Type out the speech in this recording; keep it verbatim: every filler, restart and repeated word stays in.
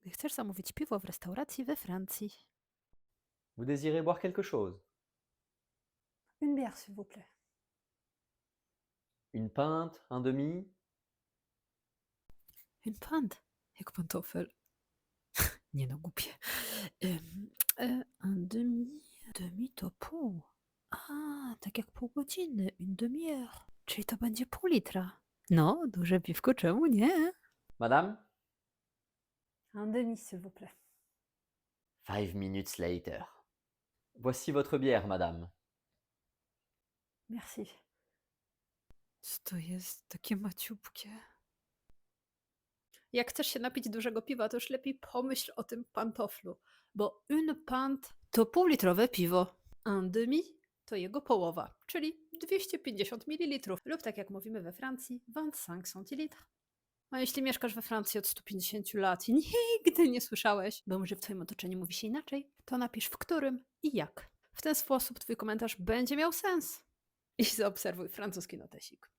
gdy chcesz zamówić piwo w restauracji we Francji. Vous désirez boire quelque chose? Une bière, s'il vous plaît. Une pinte, un demi? Une pinte, jak pantofel. Nie no, głupie. Ym, e, un demi, demi to pół. A, tak jak pół godziny, une demi-heure. Czyli to będzie pół litra. No, duże piwko, czemu nie? Madame? Un demi, s'il vous plaît. Five minutes later. Voici votre bière, madame. Merci. Co to jest takie maciupkie? Jak chcesz się napić dużego piwa, to już lepiej pomyśl o tym pantoflu, bo une pinte to półlitrowe piwo, un demi to jego połowa, czyli dwieście pięćdziesiąt mililitrów lub tak jak mówimy we Francji, dwadzieścia pięć centilitres. A jeśli mieszkasz we Francji od stu pięćdziesięciu lat i nigdy nie słyszałeś, bo może w twoim otoczeniu mówi się inaczej, to napisz w którym i jak. W ten sposób twój komentarz będzie miał sens. I zaobserwuj francuski notesik.